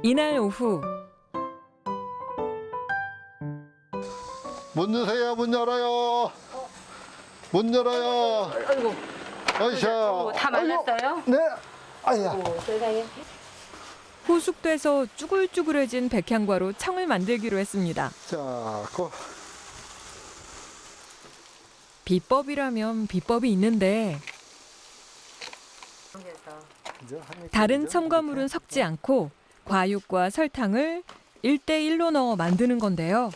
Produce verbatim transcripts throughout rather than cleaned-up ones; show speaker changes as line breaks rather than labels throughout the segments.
이날 오후
문 여세요, 문 열어요. 문 열어요.
아이고,
아이샤.
어, 다 말랐어요?
네. 아야.
오, 세상에.
호숙돼서 쭈글쭈글해진 백향과로 청을 만들기로 했습니다.
자, 고.
비법이라면 비법이 있는데
이제 한
다른
입
첨가물은 섞지 않고 과육과 설탕을 일 대일로 넣어 만드는 건데요.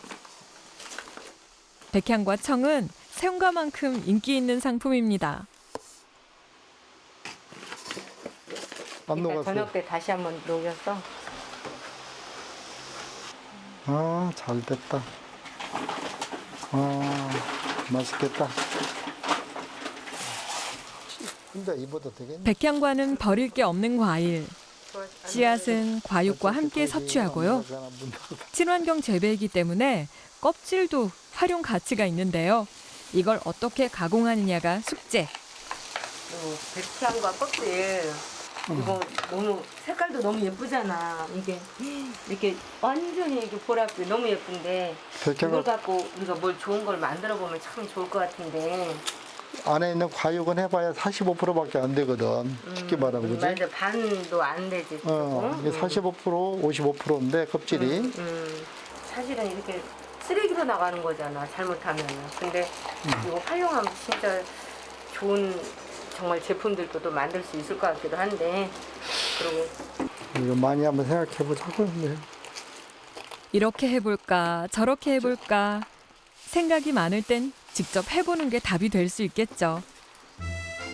백향과 청은 생과만큼 인기 있는 상품입니다.
안
그러니까
녹았어요.
저녁 때 다시 한번 녹였어.
아, 잘 됐다. 아, 맛있겠다. 혼자 입어도 되겠네.
백향과는 버릴 게 없는 과일. 씨앗은 과육과 함께 섭취하고요. 친환경 재배이기 때문에 껍질도 활용 가치가 있는데요. 이걸 어떻게 가공하느냐가 숙제.
그리고 백향과 껍질. 이거 너무 색깔도 너무 예쁘잖아. 이게 이렇게 완전히 이렇게 보랏빛 너무 예쁜데 이걸
백향과
갖고 우리가 뭘 좋은 걸 만들어 보면 참 좋을 것 같은데.
안에 있는 과육은 해봐야 사십오 퍼센트밖에 안 되거든. 쉽게 말하면 그지?
맞아, 반도 안 되지.
어,
조금.
이게 사십오 퍼센트, 오십오 퍼센트인데 껍질이.
음, 음. 사실은 이렇게 쓰레기로 나가는 거잖아, 잘못하면. 근데 이거 활용하면 진짜 좋은 정말 제품들도 또 만들 수 있을 것 같기도 한데. 그리고
이거 많이 한번 생각해 보자고. 네.
이렇게 해볼까 저렇게 해볼까 생각이 많을 땐 직접 해보는 게 답이 될 수 있겠죠.